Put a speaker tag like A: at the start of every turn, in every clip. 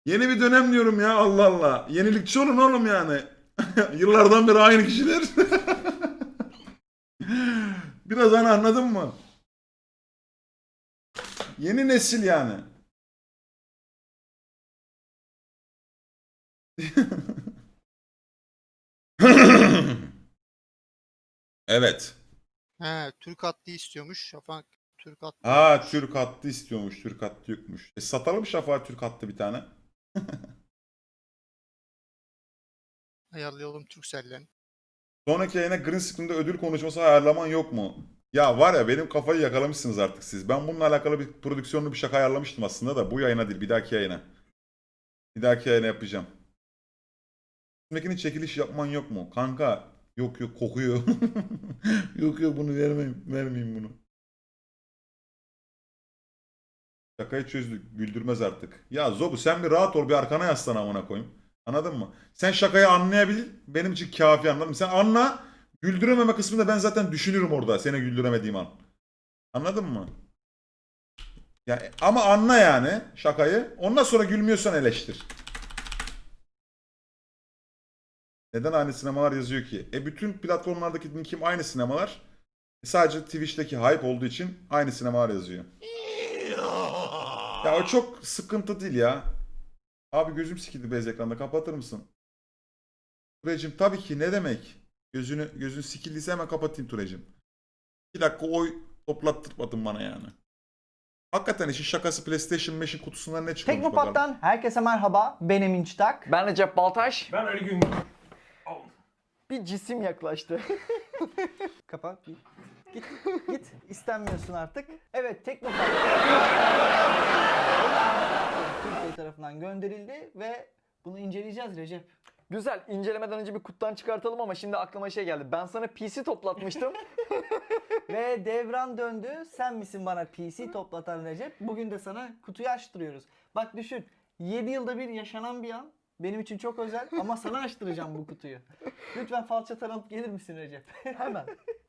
A: Yeni bir dönem diyorum ya, Allah Allah. Yenilikçi olun oğlum yani. Yıllardan beri aynı kişiler. Biraz hani, anladın mı? Yeni nesil yani. Evet.
B: He, Türk hattı istiyormuş. Şafak Türk hattı
A: Ha,
B: yokmuş.
A: Türk hattı istiyormuş. Türk hattı yokmuş. Satalım Şafak'a Türk hattı bir tane.
B: Ayarlayalım Turkcell'den.
A: Sonraki yayına green screen'de ödül konuşması ayarlaman yok mu? Ya var ya, benim kafayı yakalamışsınız artık siz. Ben bununla alakalı bir prodüksiyonlu bir şaka ayarlamıştım aslında da bu yayına değil, bir dahaki yayına. Bir dahaki yayına yapacağım. Üstündekini çekiliş yapman yok mu? Kanka yok yok, kokuyor. Yok yok, bunu vermeyeyim bunu. Şakayı çözdük. Güldürmez artık. Ya Zobu, sen bir rahat ol, bir arkana yaslan amına koyayım. Anladın mı? Sen şakayı anlayabil, benim için kafi, anladın mı? Sen anla, güldürememe kısmını ben zaten düşünürüm orada seni güldüremediğim an. Anladın mı? Ya, ama anla yani şakayı. Ondan sonra gülmüyorsan eleştir. Neden aynı sinemalar yazıyor ki? Bütün platformlardaki linkim aynı sinemalar. Sadece Twitch'teki hype olduğu için aynı sinemalar yazıyor. Ya o çok sıkıntı değil ya. Abi gözüm sikildi beyaz ekranda, kapatır mısın? Turecim tabii ki, ne demek? Gözün sikildiyse hemen kapatayım Turecim. 2 dakika oy toplattırmadın bana yani. Hakikaten işin şakası, PlayStation 5'in kutusundan ne çıkıyormuş bakalım.
C: Teknopat'tan herkese merhaba. Ben Emin Çıtak.
D: Ben Recep Baltaş.
E: Ben öyle gün.
D: Bir cisim yaklaştı.
C: Kapat. Git. Git. İstenmiyorsun artık. Evet, Teknopat Türkiye tarafından gönderildi ve bunu inceleyeceğiz Recep.
D: Güzel. İncelemeden önce bir kutudan çıkartalım ama şimdi aklıma şey geldi. Ben sana PC toplatmıştım.
C: Ve devran döndü. Sen misin bana PC toplatan Recep? Bugün de sana kutuyu açtırıyoruz. Bak düşün. 7 yılda bir yaşanan bir an. Benim için çok özel ama sana açtıracağım bu kutuyu. Lütfen falçatan alıp gelir misin Recep? Hemen.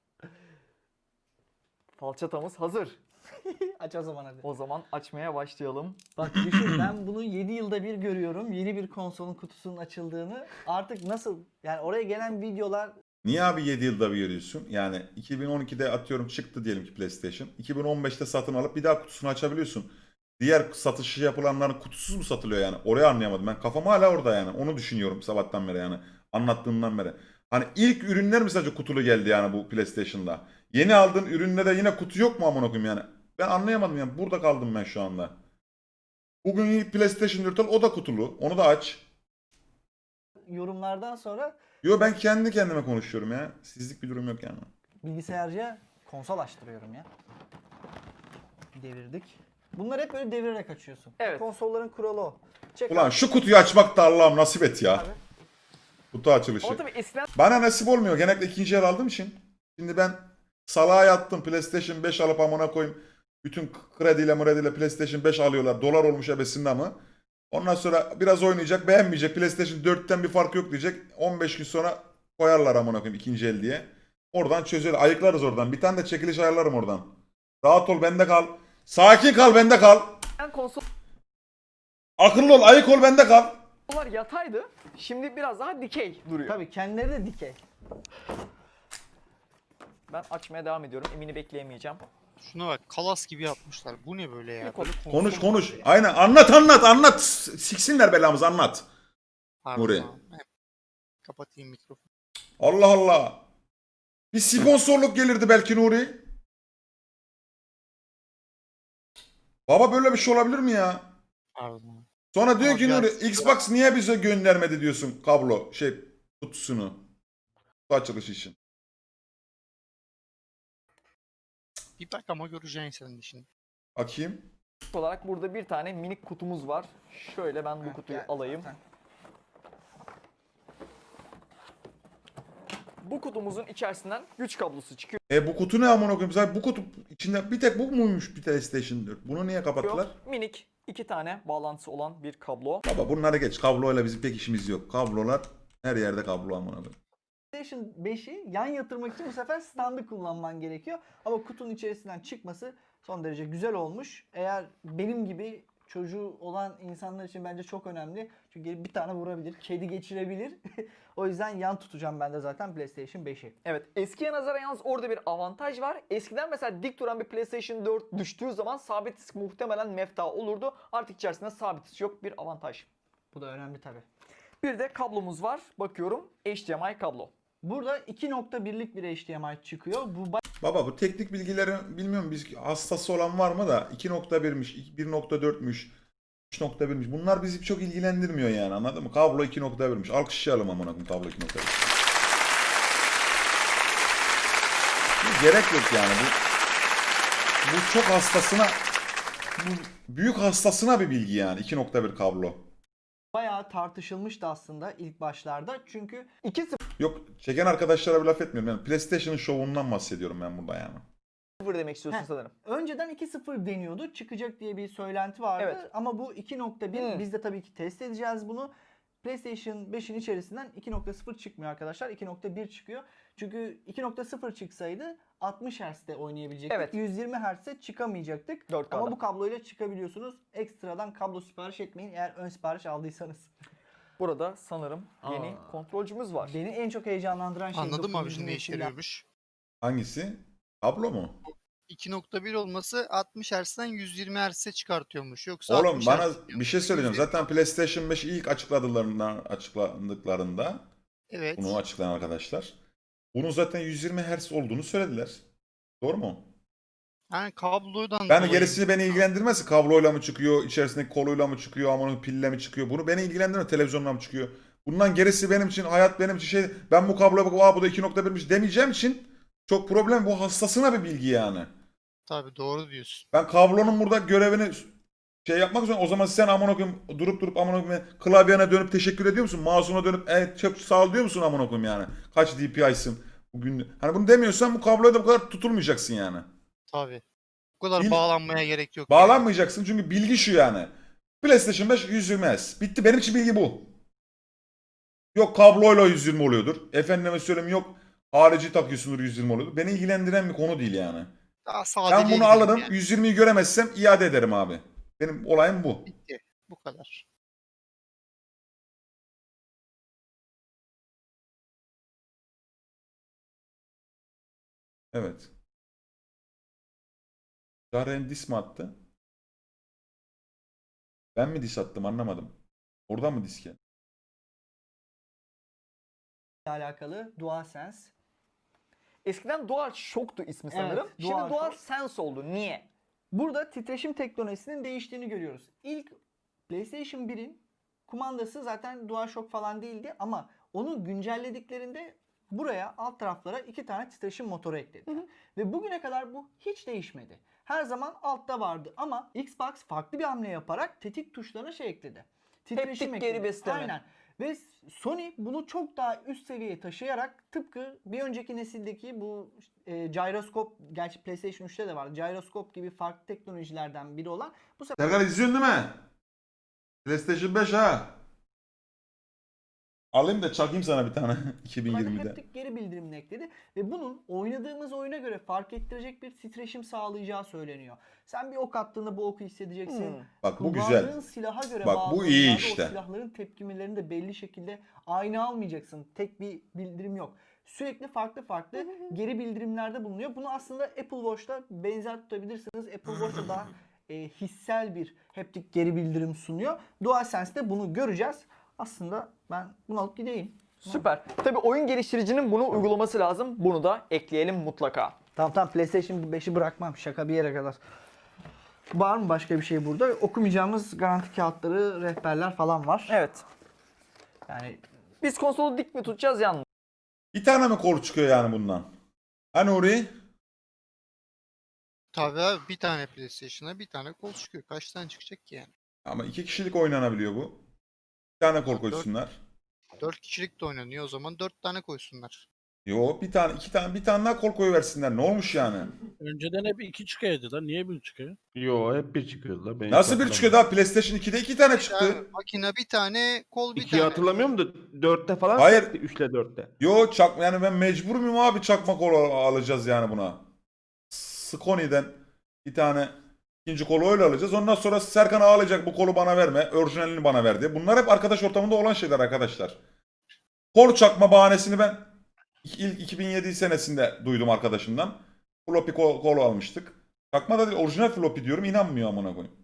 D: Falçatamız hazır.
C: Aç o zaman hadi.
D: O zaman açmaya başlayalım.
C: Bak düşün, ben bunu 7 yılda bir görüyorum. Yeni bir konsolun kutusunun açıldığını. Artık nasıl? Yani oraya gelen videolar
A: Niye abi 7 yılda bir görüyorsun? Yani 2012'de atıyorum çıktı diyelim ki PlayStation. 2015'te satın alıp bir daha kutusunu açabiliyorsun. Diğer satışı yapılanların kutusuz mu satılıyor yani? Orayı anlayamadım. Ben kafam hala orada yani. Onu düşünüyorum sabahtan beri yani. Anlattığımdan beri. Hani ilk ürünler mi sadece kutulu geldi yani bu PlayStation'da? Yeni aldığın üründe de yine kutu yok mu amına koyayım yani? Ben anlayamadım yani. Burada kaldım ben şu anda. Bugün ilk PlayStation 4 al, o da kutulu. Onu da aç.
C: yorumlardan sonra
A: Yo, ben kendi kendime konuşuyorum ya. Sizlik bir durum yok yani.
C: bilgisayarcıya konsol açtırıyorum ya. Devirdik. Bunlar hep böyle devirerek açıyorsun.
D: Evet.
C: Konsolların kuralı o. Çek
A: Ulan
C: abi.
A: şu kutuyu açmak da Allah'ım nasip et ya.
C: Abi.
A: Kutu açılışı.
D: Ama tabii eskiden
A: Bana nasip olmuyor. Genellikle ikinci el aldığım için. Şimdi ben salağa yattım. PlayStation 5 alıp amına koyayım. Bütün krediyle PlayStation 5 alıyorlar. Dolar olmuş ebesinde ama. Ondan sonra biraz oynayacak, beğenmeyecek. PlayStation 4'ten bir fark yok diyecek. 15 gün sonra koyarlar amına koyayım ikinci el diye. Oradan çözüyor. Ayıklarız oradan. Bir tane de çekiliş ayarlarım oradan. Rahat ol, bende kal. Sakin kal, bende kal.
D: konsollar
A: Akıllı ol, ayık ol, bende kal.
D: yataydı. Şimdi biraz daha dikey duruyor.
C: Tabii kendileri de dikey.
D: Ben açmaya devam ediyorum. Emin'i bekleyemeyeceğim.
B: Şuna bak, kalas gibi yapmışlar. Bu ne böyle ya?
D: Bir
B: Böyle
A: Konuş
B: konsol
A: konuş.
B: var ya.
A: Aynen, anlat. Siksinler belamızı, anlat.
B: Pardon
A: Nuri.
B: abi. Kapatayım mikrofonu.
A: Allah Allah. Bir sponsorluk gelirdi belki Nuri. Baba böyle bir şey olabilir mi ya?
B: Pardon.
A: Sonra diyor
B: Ama
A: ki Nuri,
B: biraz-
A: Xbox niye bize göndermedi diyorsun kablo kutusunu. Kutu açılışı için.
B: Bir bak ama göreceksin sen de şimdi.
A: Bakayım.
D: Olarak burada bir tane minik kutumuz var. Şöyle ben bu kutuyu
C: gel
D: alayım.
C: zaten.
D: Bu kutumuzun içerisinden güç kablosu çıkıyor.
A: Bu kutu ne amına koyayım? Zaten bu kutu içinde bir tek bu muymuş bir PlayStation 4? Bunu niye kapattılar?
D: Minik 2 tane bağlantısı olan bir kablo.
A: Baba bunları geç. Kabloyla bizim pek işimiz yok. Kablolar her yerde kablo amına koyayım.
C: PlayStation 5'i yan yatırmak için bu sefer standı kullanman gerekiyor. Ama kutunun içerisinden çıkması son derece güzel olmuş. Eğer benim gibi çocuğu olan insanlar için bence çok önemli. Çünkü bir tane vurabilir, kedi geçirebilir. O yüzden yan tutacağım ben de zaten PlayStation 5'i.
D: Evet, eskiye nazaran yalnız orada bir avantaj var. Eskiden mesela dik duran bir PlayStation 4 düştüğü zaman sabit disk muhtemelen mefta olurdu. Artık içerisinde sabit disk yok, bir avantaj.
C: Bu da önemli tabii.
D: Bir de kablomuz var. Bakıyorum, HDMI kablo.
C: Burada 2.1'lik bir HDMI çıkıyor. Bu
A: Baba bu teknik bilgileri bilmiyorum, biz hastası olan var mı da 2.1'miş, 1.4'müş, 3.1'miş. Bunlar bizi çok ilgilendirmiyor yani, anladın mı? Kablo 2.1'miş. Alkışlayalım amına koyayım kablo 2.1. Gerek yok yani bu çok hastasına, bu büyük hastasına bir bilgi yani 2.1 kablo.
C: bayağı tartışılmıştı aslında ilk başlarda. Çünkü
D: 2.0
A: Yok, çeken arkadaşlara bir laf etmiyorum. Yani PlayStation'ın şovundan bahsediyorum ben burada yani.
D: demek istiyorsun
C: Heh.
D: sanırım.
C: önceden 2.0 deniyordu. Çıkacak diye bir söylenti vardı.
D: Evet.
C: Ama bu 2.1.
D: Hmm.
C: Biz de tabii ki test edeceğiz bunu. PlayStation 5'in içerisinden 2.0 çıkmıyor arkadaşlar. 2.1 çıkıyor. Çünkü 2.0 çıksaydı 60 Hz'de oynayabilecektik.
D: Evet.
C: 120 Hz'de çıkamayacaktık.
D: 4K'da.
C: Ama bu kabloyla çıkabiliyorsunuz. Ekstradan kablo sipariş etmeyin eğer ön sipariş aldıysanız.
D: Burada sanırım yeni
C: Aa.
D: kontrolcümüz var.
C: Beni en çok heyecanlandıran şey
B: Anladın mı abi
C: 9.
B: şimdi ne işe
C: nesil
B: yarıyormuş?
A: Hangisi? Kablo mu?
B: 2.1 olması 60 Hz'den 120 Hz'e çıkartıyormuş. Yoksa
A: Oğlum
B: 60
A: bana
B: Hz
A: bir şey söyleyeceğim. Zaten PlayStation 5 ilk açıkladıklarında
B: Evet.
A: bunu açıklayan arkadaşlar, bunun zaten 120 Hz olduğunu söylediler. Doğru mu?
B: Yani kablodan
A: Ben
B: dolayı.
A: gerisini beni ilgilendirmez. Kabloyla mı çıkıyor, içerisindeki koluyla mı çıkıyor, ama onun pille mi çıkıyor? Bunu beni ilgilendirmez. Televizyonla mı çıkıyor? Bundan gerisi benim için, hayat benim için şey. Ben bu kabloya bakıp bu da 2.1'miş demeyeceğim için çok problem. Bu hastasına bir bilgi yani.
B: Tabii doğru diyorsun.
A: Ben kablonun burada görevini şey yapmak zorunda. O zaman sen amına koyayım durup amına koyayım klavyene dönüp teşekkür ediyor musun? Mouse'una dönüp evet çok sağ ol diyor musun amına koyayım yani? Kaç DPI'sın bugün? Hani bunu demiyorsan bu kabloya da bu kadar tutulmayacaksın yani.
B: Tabii. Bu kadar
A: Bil-
B: bağlanmaya gerek yok. yani.
A: Bağlanmayacaksın çünkü bilgi şu yani. PlayStation 5 120 Hz. Bitti, benim için bilgi bu. Yok kabloyla 120 oluyordur. Efendime söyleyeyim yok harici takıyorsundur 120 oluyordur. Beni ilgilendiren bir konu değil yani.
B: Daha
A: Ben
B: sadeliğe
A: bunu
B: gidelim
A: alırım,
B: yani.
A: 120'yi göremezsem iade ederim abi. Benim olayım bu.
B: Bitti. Bu kadar.
A: Evet. Garen dis mi attı? Ben mi dis attım anlamadım. Oradan mı diske?
C: alakalı DualSense.
D: Eskiden DualShock'tu ismi
C: Evet,
D: sanırım. Şimdi
C: DualShock.
D: DualSense oldu. Niye?
C: Burada titreşim teknolojisinin değiştiğini görüyoruz. İlk PlayStation 1'in kumandası zaten DualShock falan değildi ama onu güncellediklerinde buraya alt taraflara 2 tane titreşim motoru eklediler. Ve bugüne kadar bu hiç değişmedi. Her zaman altta vardı ama Xbox farklı bir hamle yaparak tetik tuşlarına şey ekledi.
D: Haptik geri besleme.
C: Aynen. Ve Sony bunu çok daha üst seviyeye taşıyarak tıpkı bir önceki nesildeki bu gyroskop, gerçi PlayStation 3'te de var. Gyroskop gibi farklı teknolojilerden biri olan bu sefer
A: Serkan izliyorsun değil mi? PlayStation 5 ha. Alayım da çakayım sana bir tane 2020'de.
C: haptik geri bildirimini ekledi ve bunun oynadığımız oyuna göre fark ettirecek bir titreşim sağlayacağı söyleniyor. Sen bir ok attığında bu oku hissedeceksin.
A: Bak bu
C: Kullandığın
A: güzel.
C: silaha göre
A: Bak,
C: bazı
A: bu iyi
C: oyunlarda
A: işte.
C: o silahların tepkimelerini de belli şekilde aynı almayacaksın. Tek bir bildirim yok. Sürekli farklı geri bildirimlerde bulunuyor. Bunu aslında Apple Watch'ta benzer tutabilirsiniz. Apple Watch'ta daha hissel bir haptik geri bildirim sunuyor. DualSense'de bunu göreceğiz. Aslında ben bunu alıp gideyim.
D: Süper. Tabii oyun geliştiricinin bunu uygulaması lazım. Bunu da ekleyelim mutlaka.
C: Tamam PlayStation 5'i bırakmam. Şaka bir yere kadar. Var mı başka bir şey burada? Okumayacağımız garanti kağıtları, rehberler falan var.
D: Evet.
C: Yani
D: Biz konsolu dik mi tutacağız yan mı?
A: Bir tane mi kol çıkıyor yani bundan? Hani orayı?
B: Tabii abi bir tane PlayStation'a bir tane kol çıkıyor. Kaç tane çıkacak ki yani?
A: Ama 2 kişilik oynanabiliyor bu. Bir tane kol koysunlar.
B: 4 kişilik de oynanıyor. O zaman 4 tane koysunlar.
A: Yo bir tane bir tane daha kol koyuversinler. Ne olmuş yani?
E: Önceden hep 2 çıkıyordu lan. Niye 1 çıkıyor?
F: Yo hep bir çıkıyordu la. Ben hiç
A: Nasıl bir çıkıyor
F: hatırlamıyorum.
A: daha? PlayStation 2'de 2 tane
B: Abi,
A: çıktı.
B: makine bir tane, kol bir
F: İkiyi
B: tane.
F: hatırlamıyorum da 4'te falan
A: Hayır.
F: sekti, 3'le 4'te.
A: Yo yani ben mecbur muyum abi çakma kol alacağız yani buna. Sony'den bir tane İkinci kolu öyle alacağız. Ondan sonra Serkan ağlayacak bu kolu bana verme. Orijinalini bana ver diye. Bunlar hep arkadaş ortamında olan şeyler arkadaşlar. Kol çakma bahanesini ben ilk 2007 senesinde duydum arkadaşımdan. Floppy kol almıştık. Çakma da değil orijinal floppy diyorum inanmıyor amına koyayım.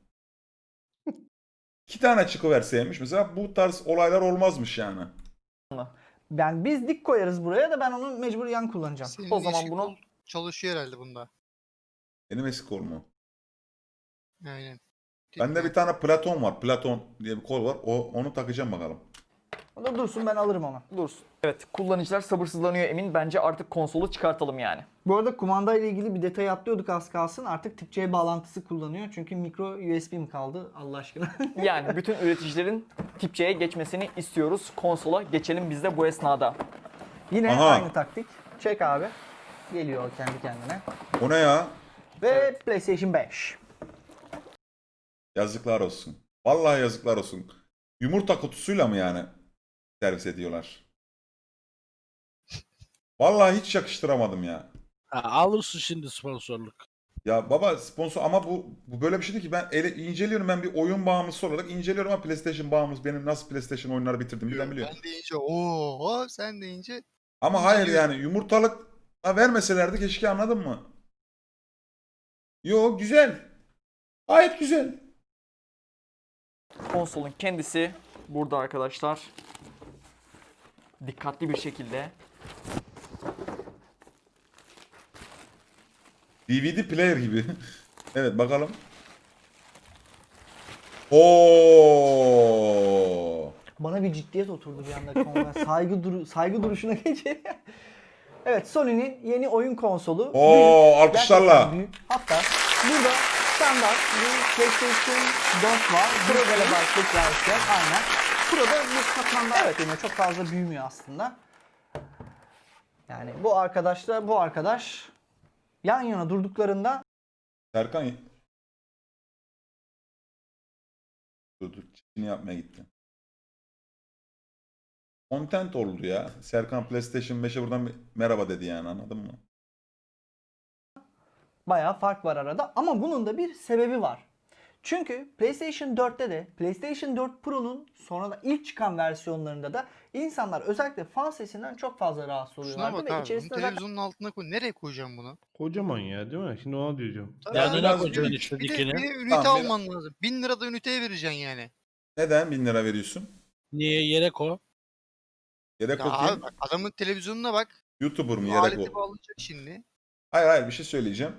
A: 2 tane çıkıverseymiş mesela bu tarz olaylar olmazmış yani.
C: Yani biz dik koyarız buraya da ben onu mecbur yan kullanacağım.
B: Senin
D: O zaman
B: eşik
D: bunu-
B: kol çalışıyor herhalde bunda.
A: Benim eski kol mu?
B: Aynen.
A: Bende bir tane Platon var. Platon diye bir kol var. Onu takacağım bakalım.
C: O da dursun ben alırım onu.
D: Dursun. Evet, kullanıcılar sabırsızlanıyor Emin. Bence artık konsolu çıkartalım yani.
C: Bu arada kumanda ile ilgili bir detay atlıyorduk az kalsın. Artık tip C bağlantısı kullanıyor. Çünkü micro USB mi kaldı Allah aşkına?
D: Yani bütün üreticilerin tip C'ye geçmesini istiyoruz. Konsola geçelim biz de bu esnada.
C: Yine
A: Aha.
C: aynı taktik. Çek abi. Geliyor kendi kendine.
A: O ne ya?
C: Ve PlayStation 5.
A: Yazıklar olsun. Vallahi yazıklar olsun. Yumurta kutusuyla mı yani servis ediyorlar? Vallahi hiç yakıştıramadım ya.
E: Ha, alırsın şimdi sponsorluk.
A: Ya baba sponsor ama bu böyle bir şey değil ki ben inceliyorum ben bir oyun bağımlısı olarak inceliyorum ama PlayStation bağımlısı benim nasıl PlayStation oyunları bitirdim bilen biliyor.
B: Ben deyince ooo sen deyince
A: Ama hayır
B: inceliyorum.
A: yani yumurtalık vermeselerdi keşke anladın mı? Yo güzel. Gayet güzel.
D: Konsolun kendisi burada arkadaşlar. Dikkatli bir şekilde.
A: DVD player gibi. Evet bakalım. Oo.
C: Bana bir ciddiyet oturdu bir anda konuda. Saygı duruşuna geçelim. Evet, Sony'nin yeni oyun konsolu.
A: Oo,
C: Büyük,
A: alkışlarla.
C: gerçekten büyük. Hatta burada standart bir PlayStation 4 var. Pro ile başlık versiyon. Aynen. Pro'da bir katmanlar ekleniyor. Çok fazla büyümüyor aslında. Yani bu arkadaşla bu arkadaş yan yana durduklarında
A: Serkan dur çekini yapmaya gitti. Content oldu ya. Serkan PlayStation 5'e buradan bir merhaba dedi yani anladın mı?
C: bayağı fark var arada ama bunun da bir sebebi var. Çünkü PlayStation 4'te de PlayStation 4 Pro'nun sonra da ilk çıkan versiyonlarında da insanlar özellikle fan sesinden çok fazla rahatsız
B: Şuna
C: oluyorlardı
B: bak
C: ve
B: abi.
C: içerisinde
B: Bunu
C: zaten
B: televizyonun altına koy. Nereye koyacağım bunu?
F: Kocaman ya değil mi? Şimdi ona diyeceğim.
B: Tabii
E: Ya
B: abi,
E: neden
A: biraz
E: koyacaksın
A: büyük.
E: işte
B: Bir de
E: dikini?
B: ünite
A: Tamam,
B: alman lazım. 1000 lirada üniteye vereceksin yani.
A: Neden 1000 lira veriyorsun?
E: Niye yere koy?
A: Yedek
B: Ya
A: okuyayım.
B: abi bak adamın televizyonuna bak.
A: YouTuber mu
B: Bu
A: yedek
B: aleti
A: o?
B: bağlayacak şimdi.
A: Hayır bir şey söyleyeceğim.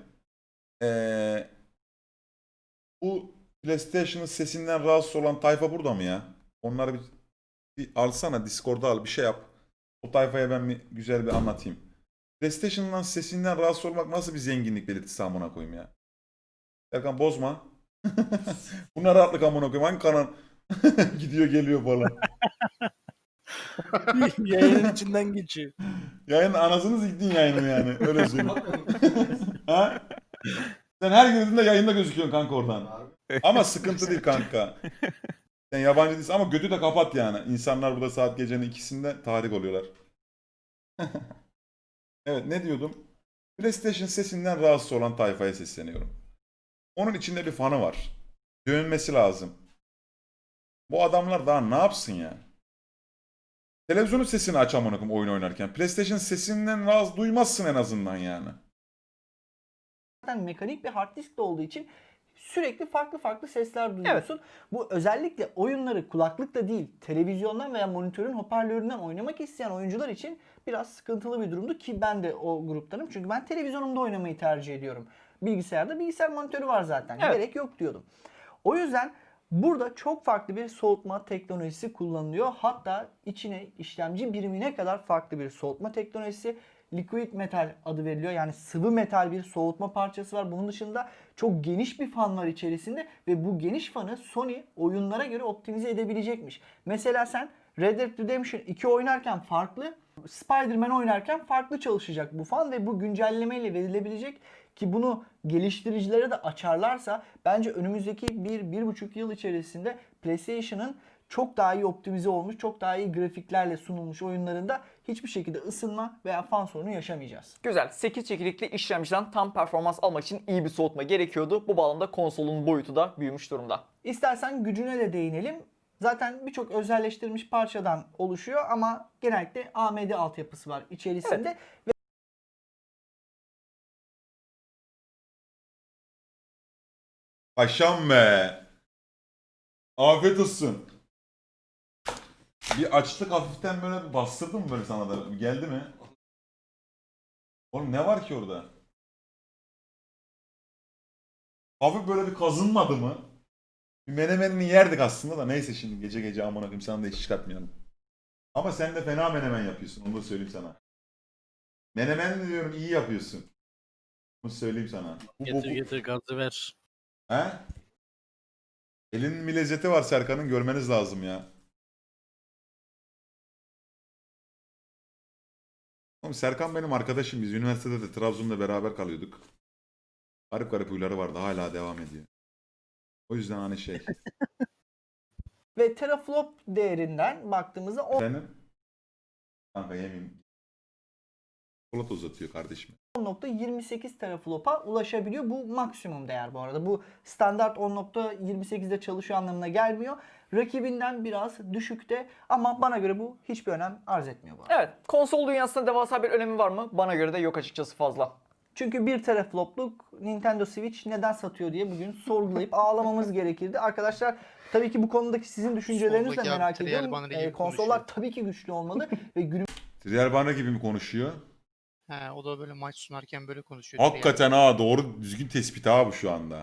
A: Bu PlayStation'ın sesinden rahatsız olan tayfa burada mı ya? Onları bir alsana Discord'da al bir şey yap. O tayfaya ben bir güzel bir anlatayım. PlayStation'dan sesinden rahatsız olmak nasıl bir zenginlik belirtisi amına koyayım ya? Serkan bozma. Bunlar rahatlık amına koyayım. Hangi kanal gidiyor geliyor falan.
E: Yayının içinden geçiyor.
A: Yayın anasını siktin yayını yani. Öyle söyleyeyim. Ha? Sen her girdiğinde yayında gözüküyorsun kanka oradan. Ama sıkıntı değil kanka. Sen yabancı değilsin ama götü de kapat yani. İnsanlar burada saat gecenin ikisinde tahrik oluyorlar. Evet ne diyordum? PlayStation sesinden rahatsız olan tayfaya sesleniyorum. Onun içinde bir fanı var. Dönmesi lazım. Bu adamlar daha ne yapsın ya? Televizyonun sesini aç amına koyayım oyun oynarken. PlayStation sesinden rahatsız duymazsın en azından yani.
C: mekanik bir hard disk de olduğu için sürekli farklı sesler duyuyorsun. Bu özellikle oyunları kulaklıkla değil, televizyondan veya monitörün hoparlöründen oynamak isteyen oyuncular için biraz sıkıntılı bir durumdu ki ben de o gruptanım. Çünkü ben televizyonumda oynamayı tercih ediyorum. Bilgisayarda bilgisayar monitörü var zaten.
D: Evet.
C: Gerek yok diyordum. O yüzden burada çok farklı bir soğutma teknolojisi kullanılıyor. Hatta içine işlemci birimine kadar farklı bir soğutma teknolojisi. Liquid metal adı veriliyor. Yani sıvı metal bir soğutma parçası var. Bunun dışında çok geniş bir fan var içerisinde ve bu geniş fanı Sony oyunlara göre optimize edebilecekmiş. Mesela sen Red Dead Redemption 2 oynarken farklı, Spider-Man oynarken farklı çalışacak bu fan ve bu güncellemeyle verilebilecek ki bunu geliştiricilere de açarlarsa bence önümüzdeki 1-1,5 yıl içerisinde PlayStation'ın çok daha iyi optimize olmuş, çok daha iyi grafiklerle sunulmuş oyunlarında hiçbir şekilde ısınma veya fan sorunu yaşamayacağız.
D: Güzel. 8 çekirdekli işlemciden tam performans almak için iyi bir soğutma gerekiyordu. Bu bağlamda konsolun boyutu da büyümüş durumda.
C: İstersen gücüne de değinelim. Zaten birçok özelleştirilmiş parçadan oluşuyor ama genellikle AMD altyapısı var içerisinde.
A: Paşam be. Afiyet olsun. Bir açlık hafiften böyle bir bastırdı mı böyle sana da? Geldi mi? Oğlum ne var ki orada? Hafif böyle bir kazınmadı mı? Bir menemenini yerdik aslında da neyse şimdi gece gece amına koyayım sana da hiç çıkartmayalım. Ama sen de fena menemen yapıyorsun onu da söyleyeyim sana. Menemen diyorum iyi yapıyorsun. Bunu söyleyeyim sana.
E: Getir getir gazı ver.
A: He? Elinin bir lezzeti var Serkan'ın görmeniz lazım ya. Oğlum Serkan benim arkadaşım. Biz üniversitede de Trabzon'da beraber kalıyorduk. Garip garip huyları vardı. Hala devam ediyor. O yüzden hani şey.
C: Ve teraflop değerinden baktığımızda
A: Benim kanka yemeyeyim. Polat uzatıyor kardeşim.
C: 10.28 teraflopa ulaşabiliyor. Bu maksimum değer bu arada. Bu standart 10.28'de çalışıyor anlamına gelmiyor. Rakibinden biraz düşükte ama bana göre bu hiçbir önem arz etmiyor bu arada.
D: Evet, konsol dünyasında devasa bir önemi var mı? Bana göre de yok açıkçası fazla.
C: Çünkü 1 teraflopluk Nintendo Switch neden satıyor diye bugün sorgulayıp ağlamamız gerekirdi. Arkadaşlar tabii ki bu konudaki sizin düşüncelerinizi de
B: Soldaki abi
C: merak
B: Trial
C: ediyorum.
B: Banner gibi
C: Konsollar
B: konuşuyor.
C: tabii ki güçlü olmalı ve günümüz
A: Trial Banner gibi mi konuşuyor?
B: He, o da böyle maç sunarken böyle konuşuyor.
A: Hakikaten ha doğru düzgün tespit ha bu şu anda.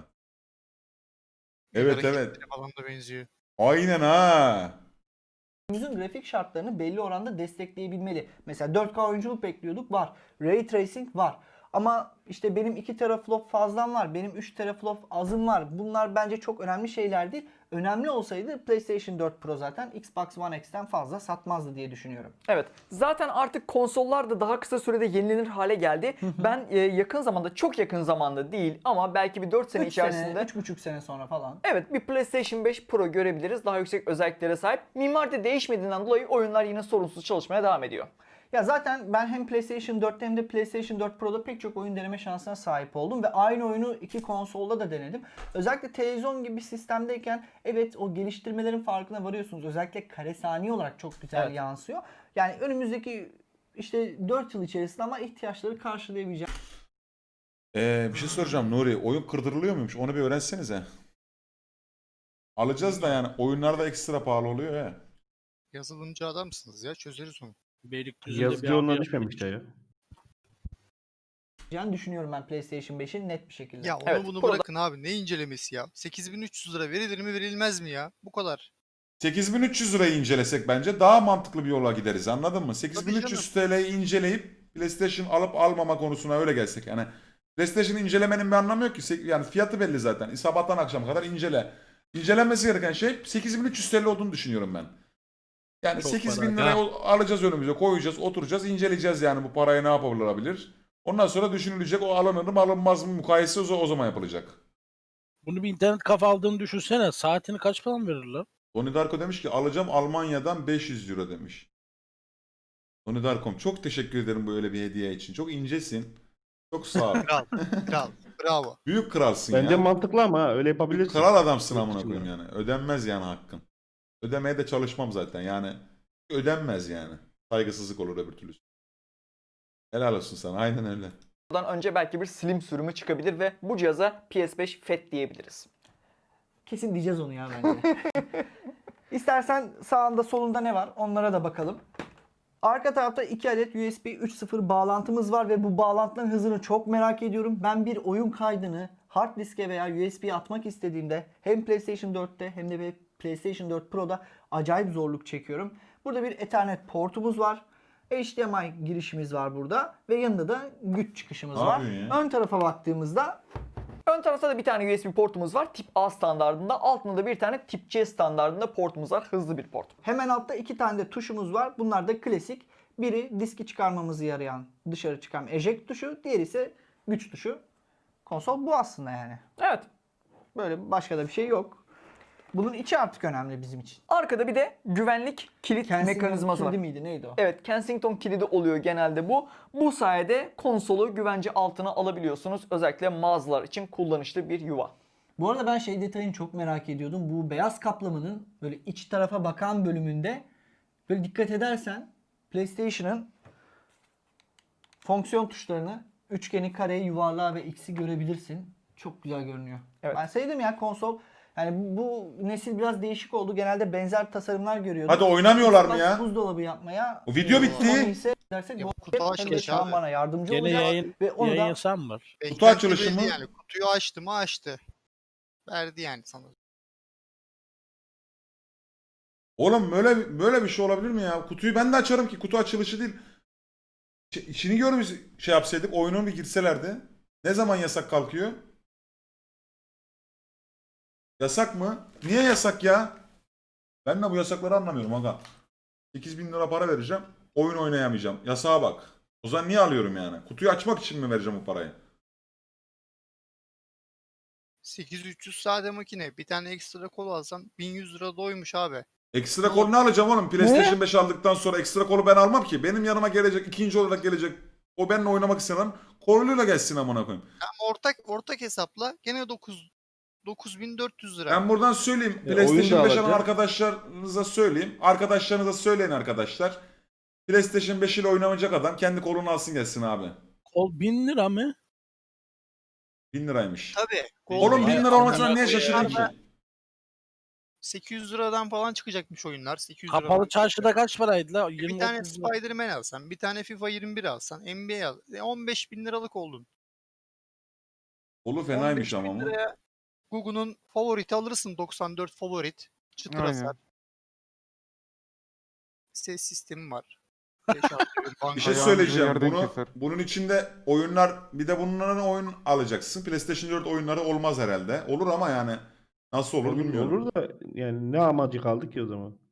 A: Evet evet.
B: Falan da benziyor.
A: Aynen ha.
C: grafik şartlarını belli oranda destekleyebilmeli. Mesela 4K oyunculuk bekliyorduk, var. Ray Tracing var. Ama işte benim 2 teraflop fazlam var, benim 3 teraflop azım var. Bunlar bence çok önemli şeyler değil. Önemli olsaydı PlayStation 4 Pro zaten Xbox One X'ten fazla satmazdı diye düşünüyorum.
D: Evet, zaten artık konsollar da daha kısa sürede yenilenir hale geldi. Ben yakın zamanda, çok yakın zamanda değil ama belki bir 4 sene
C: 3
D: içerisinde...
C: sene, 3,5 sene sonra falan.
D: Evet, bir PlayStation 5 Pro görebiliriz. Daha yüksek özelliklere sahip. Mimari de değişmediğinden dolayı oyunlar yine sorunsuz çalışmaya devam ediyor.
C: Ya zaten ben hem PlayStation 4'te hem de PlayStation 4 Pro'da pek çok oyun deneme şansına sahip oldum ve aynı oyunu iki konsolda da denedim. Özellikle televizyon gibi bir sistemdeyken evet o geliştirmelerin farkına varıyorsunuz. Özellikle kare saniye olarak çok güzel
D: Evet.
C: yansıyor. Yani önümüzdeki işte 4 yıl içerisinde ama ihtiyaçları karşılayabileceğim.
A: Bir şey soracağım Nuri. Oyun kırdırılıyor muymuş? Onu bir öğrensenize. Alacağız da yani oyunlarda ekstra pahalı oluyor ya.
B: Yazılımcı adamsınız ya, çözeriz onu.
E: Beylikdüzü'nde
F: Yazıcı
E: abi
F: onunla
E: yapmış.
F: düşmemişler ya.
C: Düşünüyorum ben PlayStation 5'in net bir şekilde.
B: Ya onu
D: Evet,
B: bunu
D: burada-
B: bırakın abi. Ne incelemesi ya? 8.300 lira verilir mi verilmez mi ya? Bu kadar.
A: 8300 lirayı incelesek bence daha mantıklı bir yola gideriz anladın mı?
B: Tabii
A: 8300 TL'yi inceleyip PlayStation alıp almama konusuna öyle gelsek. Yani PlayStation incelemenin bir anlamı yok ki. Yani fiyatı belli zaten. Sabahtan akşama kadar incele. İncelenmesi gereken şey 8300 TL olduğunu düşünüyorum ben. Yani
E: Çok
A: 8000
E: para,
A: lirayı alacağız önümüze koyacağız oturacağız inceleyeceğiz yani bu parayı ne yapılabilir. Ondan sonra düşünülecek o alınır mı alınmaz mı mukayese o zaman yapılacak.
E: Bunu bir internet kafa aldığını düşünsene. Saatini kaç falan verirler?
A: Donnie Darko demiş ki alacağım Almanya'dan 500 euro demiş. Donnie Darkom çok teşekkür ederim bu öyle bir hediye için. Çok incesin. Çok sağ ol.
B: Kral. Kral. Bravo.
A: Büyük kralsın
F: Bence
A: ya.
F: mantıklı ama ha, öyle
A: Büyük
F: yapabilirsin.
A: kral adamsın
F: Yurt
A: amına
F: içinde.
A: koyayım yani. Ödenmez yani hakkın. Ödemeye de çalışmam zaten yani. Ödenmez yani. Saygısızlık olur öbür türlü. Helal olsun sana. Aynen öyle.
D: Buradan önce belki bir slim sürümü çıkabilir ve bu cihaza PS5 FAT diyebiliriz.
C: Kesin diyeceğiz onu ya bence. İstersen sağında solunda ne var onlara da bakalım. Arka tarafta 2 adet USB 3.0 bağlantımız var ve bu bağlantıların hızını çok merak ediyorum. Ben bir oyun kaydını hard diske veya USB'ye atmak istediğimde hem PlayStation 4'te hem de PlayStation 4 Pro'da acayip zorluk çekiyorum. Burada bir Ethernet portumuz var. HDMI girişimiz var burada ve yanında da güç çıkışımız
A: Ne
C: var.
A: yapıyorsun ya?
C: Ön tarafa baktığımızda
D: Ön tarafta da bir tane USB portumuz var. Tip A standardında. Altında da bir tane Tip C standardında portumuz var. Hızlı bir port.
C: hemen altta 2 tane de tuşumuz var. Bunlar da klasik. Biri diski çıkarmamızı yarayan dışarı çıkan eject tuşu. Diğeri ise güç tuşu. Konsol bu aslında yani.
D: Evet.
C: Böyle başka da bir şey yok. Bunun içi artık önemli bizim için.
D: Arkada bir de güvenlik kilit
C: Kensington
D: mekanizması var.
C: kilidi miydi neydi o?
D: Evet, Kensington kilidi oluyor genelde bu. Bu sayede konsolu güvence altına alabiliyorsunuz. Özellikle mağazalar için kullanışlı bir yuva.
C: Bu arada ben şey detayını çok merak ediyordum. Bu beyaz kaplamanın böyle iç tarafa bakan bölümünde böyle dikkat edersen PlayStation'ın fonksiyon tuşlarını üçgeni, kareyi, yuvarlağı ve x'i görebilirsin. Çok güzel görünüyor.
D: Evet.
C: Ben sevdim ya konsol. Yani bu nesil biraz değişik oldu. Genelde benzer tasarımlar görüyordum.
A: Hadi oynamıyorlar mı
C: Xbox
A: ya?
C: buzdolabı yapmaya.
A: O video bitti.
C: Sony ise dersek
B: Ya
C: bu
B: kutu
C: hem de
B: açılış
C: şu an
B: abi.
C: bana yardımcı
E: Gene
C: olacak.
E: yayın,
C: Ve onu
E: yayın
C: da
E: yasağı mı var?
B: Beklenti
A: açılışı
B: belli
A: mı?
B: Yani kutuyu açtı mı açtı. Verdi yani sana.
A: Oğlum böyle bir şey olabilir mi ya? Kutuyu ben de açarım ki kutu açılışı değil. İçini görmüş şey yapsaydık oyunun bir girselerdi. Ne zaman yasak kalkıyor? Yasak mı? Niye yasak ya? Ben de bu yasakları anlamıyorum aga. 8.000 lira para vereceğim. Oyun oynayamayacağım. Yasağa bak. O zaman niye alıyorum yani? Kutuyu açmak için mi vereceğim bu parayı?
B: 8300 sade makine. Bir tane ekstra kol alsan 1100 lira doymuş abi.
A: Ekstra kol ne alacağım oğlum? PlayStation 5 aldıktan sonra ekstra kolu ben almam ki. Benim yanıma gelecek, ikinci olarak gelecek. O benimle oynamak istemem. Koluyla gelsin amına koyayım.
B: Ama ortak hesapla gene 9400 lira.
A: Ben buradan söyleyeyim.
F: oyun
A: PlayStation
F: da
A: 5 alan
F: alacak.
A: arkadaşlarınıza söyleyeyim. Arkadaşlarınıza söyleyin arkadaşlar. PlayStation 5 ile oynamayacak adam kendi kolunu alsın gelsin abi.
E: Kol 1000 lira mı?
A: 1000 liraymış.
B: Tabii.
A: Oğlum 1000 lira
E: Ay,
A: olmasına niye
E: amına
A: şaşırdın
E: koyayım.
A: ki?
B: 800 liradan falan çıkacakmış oyunlar. 800 liradan.
E: Kapalı çarşıda kaç paraydı la?
B: Bir
E: 20
B: tane
E: 30 lira.
B: Spider-Man alsan, bir tane FIFA 21 alsan, NBA al. 15 bin liralık oldun.
A: Kolu fenaymış
B: 15
A: ama
B: bin
A: bu.
B: liraya Google'un favoriti alırsın. 94 favorit. Çıtır
D: Aynen.
B: hasar. Ses sistemi var. 5
A: Bir şey söyleyeceğim. Bunun içinde oyunlar bir de bunların oyun alacaksın. PlayStation 4 oyunları olmaz herhalde. Olur ama yani nasıl olur bilmiyorum.
F: Olur da yani ne amacı kaldı ki o zaman?